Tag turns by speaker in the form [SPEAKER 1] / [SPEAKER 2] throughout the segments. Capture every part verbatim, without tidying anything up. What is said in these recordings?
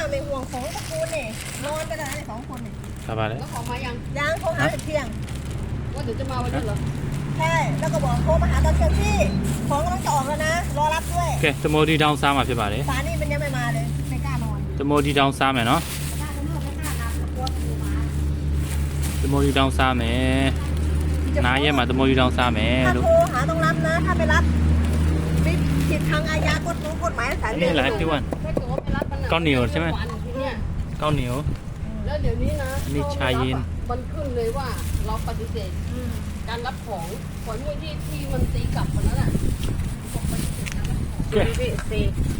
[SPEAKER 1] ไม่ห่วงของตระกูลนี่นอนกันได้สองคนนี่
[SPEAKER 2] สบายเลย
[SPEAKER 3] แล้วของมายัง
[SPEAKER 1] ยังโทรหาเที่ยง
[SPEAKER 3] ว่าเดี๋ยวจะมาวันนี้เหรอ
[SPEAKER 1] ใช่แล้วก็บอกโทรมาหาตอนเที่ยงพี่ของกำลังจะออกแล้วนะรอรับด้วย
[SPEAKER 2] โอเคตะโมดีดาวซ้ำมาဖြစ်ပါတယ်
[SPEAKER 1] สานี่มันยังไม่มาเลยไม่กล้านอน
[SPEAKER 2] ตะโมดีดาวซ้ำမယ်နော်
[SPEAKER 1] ไม่กล้านอนไม่กล้านับกลัวผีมา
[SPEAKER 2] ตะโมดีดาวซ้ำမယ်နားရဲမှာတမောကြီးတောင်စားမယ်
[SPEAKER 1] ถ้า
[SPEAKER 2] လို့
[SPEAKER 1] โทรหาต้องรับนะถ้าไม่รับมีผิดทางอาญากฎหมายกฎหมายสาย
[SPEAKER 2] นี่แหละพี่วัน
[SPEAKER 3] ถ้าเกิดว่าไม่รับมัน
[SPEAKER 2] ก้อนเหนียวใช่ไหม
[SPEAKER 3] วันที่เนี่ย
[SPEAKER 2] ข้าวเหนียว
[SPEAKER 3] แล้วเดี๋ยวนี้นะ
[SPEAKER 2] อันนี้ชาเย็น
[SPEAKER 3] มันขึ้นเลยว่าเราปฏิเสธการรับของขอนมวยที่ที่มันตีกลับคนนั้นอ่ะบอกปฏิเสธการรับของ
[SPEAKER 2] โอเค
[SPEAKER 1] พี่ซี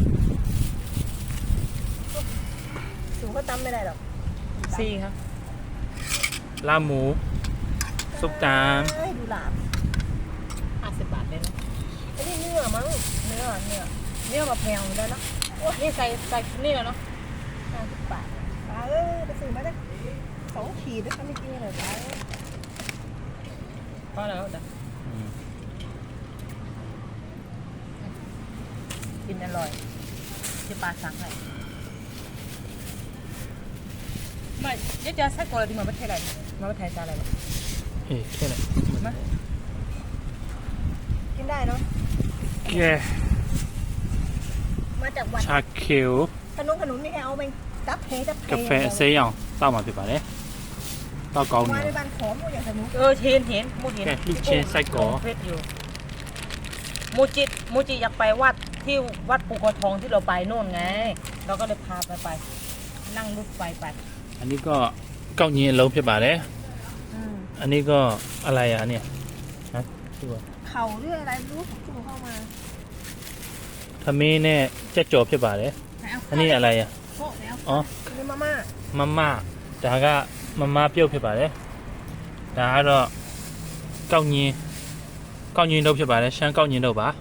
[SPEAKER 1] สูงก็จำไม่ได้หรอก
[SPEAKER 4] สี่ครับ
[SPEAKER 2] ลาบหมูซุปตาม
[SPEAKER 1] เอ้ยดูหลาบ
[SPEAKER 4] ห้าสิบบาทเลยนะ
[SPEAKER 1] ไอ้นี่เนื้อมั้งเนื้อเนื้อ
[SPEAKER 4] เนี่ยมาแพงอยู่แล้วเนาะนี่ใส่ใส่นี่แล้วเนาะ
[SPEAKER 1] ห้าสิบบาทปลาเอ้ยไปซื้อมาได้สองขีดด้วยกันไม่กินเลยปลาเอ้ย
[SPEAKER 4] พอแล้วจ้ะ
[SPEAKER 2] อืม
[SPEAKER 4] กินอร่อยที่ปลาสั่งให้ไม่เดี๋ยวจะใส่กออะไรที่มาประเทศอะไรมาประเทศอะไรหรอ
[SPEAKER 2] เฮ้ยแค่นั้น
[SPEAKER 4] มา
[SPEAKER 1] กินได้เนาะ
[SPEAKER 2] โอเค
[SPEAKER 1] มาจากวัด
[SPEAKER 2] ชาเขียว
[SPEAKER 1] ขนมขนมนี่แกเอาไปจับเพจับเพ
[SPEAKER 2] กาแฟเซียงတောက်มาဖြစ်ပါတယ်တောက်ကောင်း
[SPEAKER 1] มา
[SPEAKER 2] နေ
[SPEAKER 1] ในบ้านขอมอย่างสนุก
[SPEAKER 4] เออเห็นเห็นมูเห็น
[SPEAKER 2] แกลูกชิ้นไส้กรอก
[SPEAKER 4] เฟซอยู่มูจิมูจิอยากไปวัดที่วัดปูกระทองที่เราไปโน่นไง เราก็เลยพาไปไป นั่งรถไฟไป
[SPEAKER 2] อันนี้ก็เก้ายีนလုံးဖြစ်ပါတယ်
[SPEAKER 1] อืม
[SPEAKER 2] อันนี้ก็อะไรอ่ะเนี่ยฮะชื่อว่า
[SPEAKER 1] เข่าเรื่องอะไรไม่รู้จุ่มเข้ามา
[SPEAKER 2] ทำมีเนี่ยเจ๊จ่อဖြစ်ပါတယ်อันนี้อะไรอ่ะ
[SPEAKER 1] โคตรแล้ว
[SPEAKER 2] อ๋อ
[SPEAKER 1] นี่มาม่า
[SPEAKER 2] မမဒါကမမပြုတ်ဖြစ်ပါတယ်ဒါကတော့ကောက်ညင်းကောက်ညင်းတော့ဖြစ်ပါတယ်ရှမ်းကောက်ညင်းတော့ပါ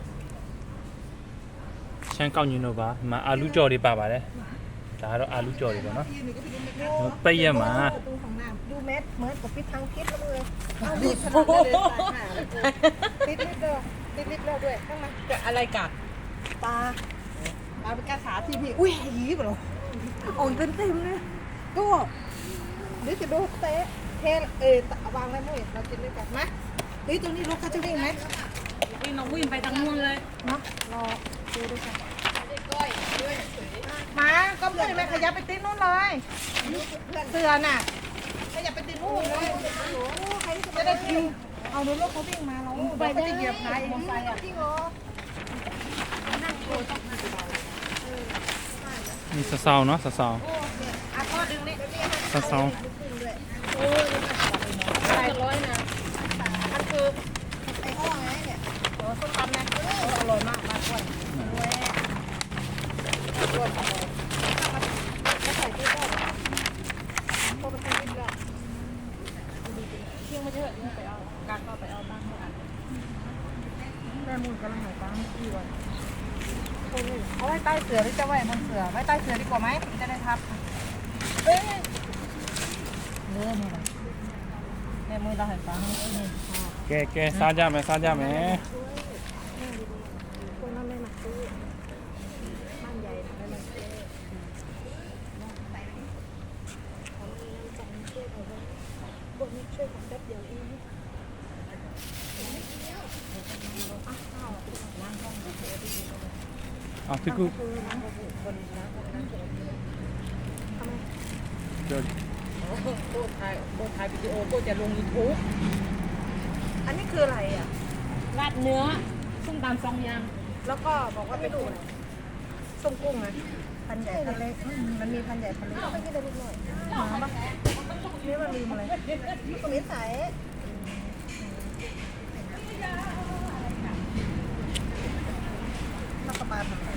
[SPEAKER 2] ရှမ်းကောက်ညင်းတော့ပါဒီမှာအာလူကြော်တွေပါပါတယ်ဒါကတော့အာလူကြော်တွေပေါ့နော်ပိတ်ရက်မှာ
[SPEAKER 1] ประตูของน้ำดูแมสเหมือนกับปิดทางพิษแล้วเลยเอาดิบขนาดนั้นเลยตายห่าเลยติดลิฟต์ด้วยติดลิฟต์แล้วด้วยข้างใน
[SPEAKER 4] จะอะไรกัด
[SPEAKER 1] ปลาปลาเป็นกระสาที่พี่อุ้ยหยีบเหรอโอ้ยเต็มเต็มเลยก็เดี๋ยวจะดูเตะเทเออวางไว้มุ้ยเรากินด้วยกันไหมเฮ้ยตรงนี้รถเขาจะวิ่งไหม
[SPEAKER 4] นี่น้องวิ่งไปทางนู้นเลย
[SPEAKER 1] เนาะรอดูด้วยกัน
[SPEAKER 3] ก้อยด้วยเฉย
[SPEAKER 1] มาก็เพื่อนแม่ขยับไปติดนู่นเลยเสือน่ะขยับไปติดนู่นเลยจะได้กินเอารถรถเขาวิ่งมาเราไปได้เหยียบไหนมอไซค์อ่ะจริงเหรอ
[SPEAKER 2] นี่สะเซาเนาะสะเซา
[SPEAKER 1] อ่ะพ่อดึงนี่
[SPEAKER 2] สะเซา
[SPEAKER 1] โอ้ย
[SPEAKER 3] ๆใส่ร้อยนะ
[SPEAKER 1] มันคือไอ้ห้อไงเนี่ยโอ้ส้มตำนะอร่อยมากมากกว่าด้วยรวมอร่อยไม่ใส่ที่ก็พอไปทำนิดเดียว
[SPEAKER 4] เที่ยงไม่เยอะไปเอาการก็ไปเอาบ้างเท่านั้น
[SPEAKER 1] แม่มูลกำลังหายตังค์กี่วันเอาไว้ใต้เสือหรือจะไว้บนเสือไว้ใต้เสือดีกว่าไหมจะได้ทับเอ้ยเลื่อนนี่แม่มือเราหายตังค์นี่
[SPEAKER 2] ကဲကဲစားကြမယ်စားကြမယ်
[SPEAKER 1] คนนั้นไม่มาซื้อบ้านใหญ่ไม่มาซื้อพวกนี้ช่วยผมแป๊บเดียวเอง
[SPEAKER 2] อ่ะพี่กูเดี๋ยว
[SPEAKER 4] โบถ่ายโบถ่ายวิดีโอโบจะลงยูทูบ
[SPEAKER 1] อันนี้คืออะไรอ่ะ
[SPEAKER 4] ราดเนื้อส้มตำซองยาง
[SPEAKER 1] แล้วก็บอกว่าไปดูอะไรส้มกุ้งนะพันใหญ่พันเล็กอืมมันมีพันใหญ่พันเล็กไม่ใช่ได้ลูกหน่อยหมาปะนี่มันลืมอะไรก็ไม่ใส่นักปลาทำอะไร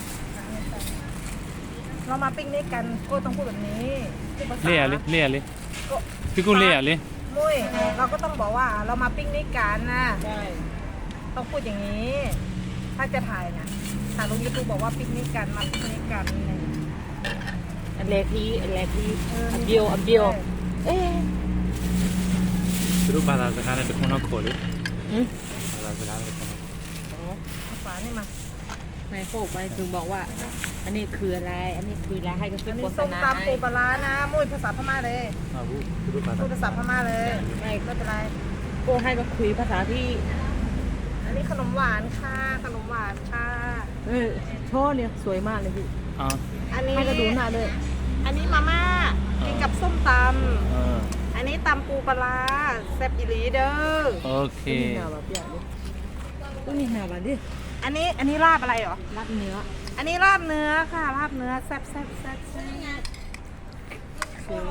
[SPEAKER 1] เรามาปิ้งนิกกันก็ต้องพูดแบบนี้พูดภาษา
[SPEAKER 2] လေးရလေးလေးရလေးพี่กูလေးရလေး
[SPEAKER 1] มุ้ยเราก็ต้องบอกว่าเรามาปิ้งนิกกันนะ
[SPEAKER 4] ใช่
[SPEAKER 1] ต้องพูดอย่างนี้ ถ้าจะถ่ายนะถ่ายลงยูทูบบอกว่าปิกนิกกันมาปิกนิกกันอะไรอย่างเงี้ย
[SPEAKER 4] อันแรกที่อันแรกที่อันเดียวอันเดียวเอ๊ะ
[SPEAKER 2] သူတို့ဘာသာစကားနဲ့တခုတော့ခေါ်လေ
[SPEAKER 4] หืม
[SPEAKER 2] ဘာသာစကားနဲ့တခု
[SPEAKER 1] เอาฝานี่มา
[SPEAKER 4] ในโฟกไปถึงบอกว่าอันนี้คืออะไร อันนี้คืออะไรให้ก็ขึ้
[SPEAKER 1] อั
[SPEAKER 4] น
[SPEAKER 1] นนี้
[SPEAKER 4] โฆษ
[SPEAKER 1] ส้ม
[SPEAKER 4] ณา
[SPEAKER 1] ตำปูปลาร้านะมุ้ยภาษาพม่าเลย
[SPEAKER 2] อ่าพูดพูดภาษา
[SPEAKER 1] พูดภาษาพม่าเลยไม่ไม่เป็นไร
[SPEAKER 4] โก้ให้ก็คุยภาษาที่
[SPEAKER 1] อันนี้ขนมหวานค่ะขนมหวานค่ะ
[SPEAKER 4] เออช่อเนี่ยสวยมากเลยพี่
[SPEAKER 2] อ่า
[SPEAKER 1] อันนี้
[SPEAKER 4] ให้ก็ดูหน้าด้วย
[SPEAKER 1] อันนี้มาม่ากินกับส้มต
[SPEAKER 2] เออ
[SPEAKER 1] ำอันนี้ตำปูปลาร้าแซ่บอีหลีเด้อ
[SPEAKER 2] โอเค
[SPEAKER 4] นี่หนาแบบอย่างนี้ตัวนี้หนาแบบนี้
[SPEAKER 1] อันนี้อันนี้ลาบอะไรเหรอ
[SPEAKER 4] รัดเนื้อ
[SPEAKER 1] อันนี้ลาบเนื้อค่ะลาบเนื้อแซ่บแซ่บแซ่บแซ่บ
[SPEAKER 4] สวย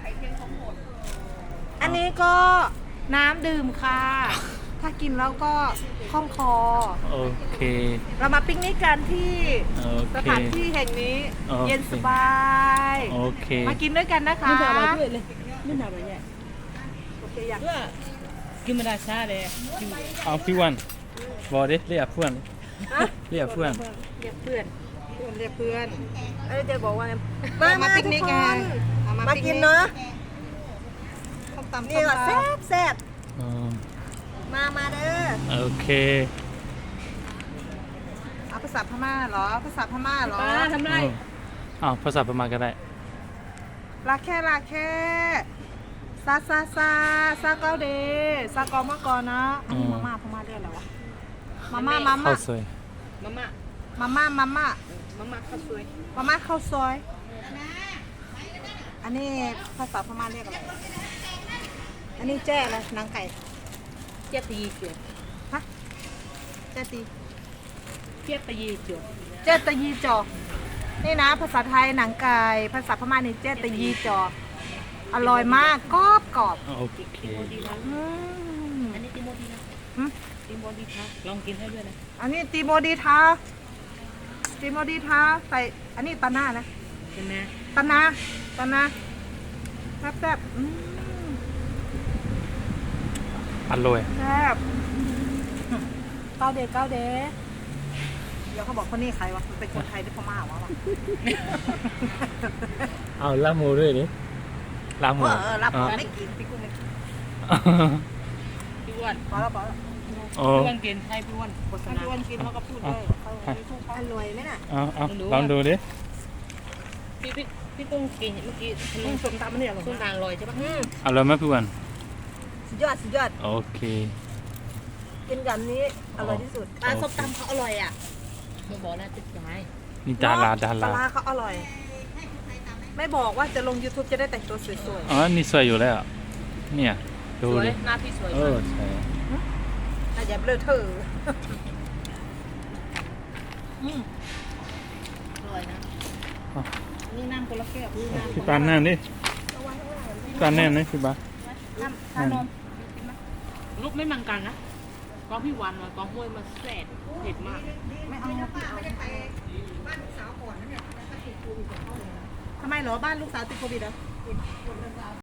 [SPEAKER 1] อันนี้ก็น้ำดื่มค่ะ ถ้ากินแล้วก็คล่องคอ
[SPEAKER 2] โอเค
[SPEAKER 1] เรามาปิกนิกกันที่
[SPEAKER 2] โอ
[SPEAKER 1] ส
[SPEAKER 2] เค
[SPEAKER 1] ถานที่แห่งนี้
[SPEAKER 2] โอเค
[SPEAKER 1] เย็นสบาย
[SPEAKER 2] โอเค
[SPEAKER 1] มากินด้วยกันนะคะ
[SPEAKER 4] ไม่หนาแบบด้วยเลยไม่หนาแบบใหญ่
[SPEAKER 1] โอเคอยาก
[SPEAKER 4] เพื่อกินไม่ได้ชาเลยกิน
[SPEAKER 2] เอาพี่วันบอกดิเรียกเพื่อน
[SPEAKER 1] ฮะ
[SPEAKER 2] เรียกเพื่อน
[SPEAKER 1] เรียกเพื่อนเพื่อนเรียกเพื่อนเอ้ยเดี๋ยวบอกว่าไง
[SPEAKER 4] มา
[SPEAKER 1] มา
[SPEAKER 4] มา
[SPEAKER 1] ปิกนิกกัน
[SPEAKER 4] มากินเนาะ
[SPEAKER 1] ส้มตำ
[SPEAKER 4] นี่ว่า
[SPEAKER 1] ส้
[SPEAKER 4] แซ่
[SPEAKER 1] มต
[SPEAKER 4] บแซ่บ
[SPEAKER 2] อืม
[SPEAKER 4] มามาเด้อ
[SPEAKER 2] โอเค
[SPEAKER 1] ำเอาภาษาพม่าเหรอภาษาพม่าเหรอ
[SPEAKER 4] ป้าทำไร
[SPEAKER 2] อ้าวภาษาประมาณก็ได้
[SPEAKER 1] ลาแค่ลาแค่ซาซาซาซาเกาเดซากอมากอนะอันนี้
[SPEAKER 2] อืม
[SPEAKER 1] มาม่าพม่าเรียกอะไรวะมาม่ามาม่า
[SPEAKER 2] ข้าวสวย
[SPEAKER 4] มาม่า
[SPEAKER 1] มาม่ามาม่า
[SPEAKER 4] มาม่าข้าวสวย
[SPEAKER 1] มาม่าข้าวซอย อันนี้ภาษาพม่าเรียกอะไร อันนี้แจ้อะไรหนังไก่
[SPEAKER 4] เจี๊ยบตีเจียว
[SPEAKER 1] ฮะแจ้ตี
[SPEAKER 4] เจี๊ยบตีเจียว
[SPEAKER 1] แจ้ตะยีจอ นี่นะ ภาษาไทยหนังไก่ ภาษาพม่านี่แจ้ตะยีจอ อร่อยมากกรอบกรอบ
[SPEAKER 2] โอเค
[SPEAKER 1] อืม
[SPEAKER 4] อันนี้ติโมดีนะ
[SPEAKER 1] อืม
[SPEAKER 4] ติโมดีนะลองกินให้ด้วยนะ
[SPEAKER 1] อันนี้ตีโมดีทาตีโมดีทาใส่ อันนี้ตาหน้านะ
[SPEAKER 4] ใช่ไหม
[SPEAKER 1] ตานาตานาแซ่บแซ่บอืม
[SPEAKER 2] อร่อย
[SPEAKER 1] แซ่บเก้าเดย์เก้าเดย์เดี๋ยวเขาบอกคนนี้ใครวะมันเป็นคนไทยหรือพม่าวะวะ
[SPEAKER 2] เอาลาบหมูด้วยดิลาบหมู
[SPEAKER 1] เออเออรับ
[SPEAKER 2] อ่า
[SPEAKER 1] ไม่กินพี่กุ้งไม่กิน
[SPEAKER 4] พี่อ้วน
[SPEAKER 1] พอแล้วพอแล้ว
[SPEAKER 2] โอ้
[SPEAKER 4] พี่อ้วนกินให้พี่อ้วนโฆษ
[SPEAKER 1] ถ้า
[SPEAKER 4] ณา
[SPEAKER 1] พี่วันกินเขาก็พูดด้วยเขา
[SPEAKER 2] อ่ะ
[SPEAKER 1] อร่อยไหมน่ะ
[SPEAKER 2] เอาเอาลองดูดิ
[SPEAKER 4] พี่พี่พี่กุ้งกินเมื่อกี้
[SPEAKER 1] อืมส้มตำมันเนี่ยอร่อย
[SPEAKER 4] ส้ม
[SPEAKER 1] มาก
[SPEAKER 4] ตาลลอยใช่ปะ
[SPEAKER 1] อืม
[SPEAKER 2] อร่อยไหมพี่วัน
[SPEAKER 1] สุดยอดสุดยอด
[SPEAKER 2] โอเค
[SPEAKER 1] กินกับนี้อร่อยที่สุด
[SPEAKER 2] ปลาส้มตำ
[SPEAKER 1] เขาอร่อยอ่ะ
[SPEAKER 4] ไม่บอกแล้วติดใจ
[SPEAKER 2] นี่ดาราดา
[SPEAKER 1] ป
[SPEAKER 2] รา
[SPEAKER 1] ลาร้าเขาอร่อย ไม่บอกว่าจะลง YouTube จะได้แต่งตัวสวย
[SPEAKER 2] อ๋อนี่สวยอยู่แล้วเนี่ย
[SPEAKER 4] ส
[SPEAKER 2] ดู
[SPEAKER 4] วย
[SPEAKER 2] ดิ
[SPEAKER 4] หน้าพี่สวย
[SPEAKER 2] เอ
[SPEAKER 4] มา
[SPEAKER 2] อก ใช่
[SPEAKER 1] ๆอาจจะเบลอเธออืม
[SPEAKER 4] อร่อยนะ
[SPEAKER 1] นี่น้ำคนละแก้วนี่น้ำ
[SPEAKER 2] พี่ปานแน่นดิพี่ปานแน่นนะพี่ปาน
[SPEAKER 1] น้ำชานม
[SPEAKER 4] ลูกไม่มังกันนะกองพี่วันมากองห้วยมาแสบเผ็ดมาก
[SPEAKER 1] ไม่เอาพี่เอาทำไมเหรอบ้านลูกสาวติดโควิดเหรอ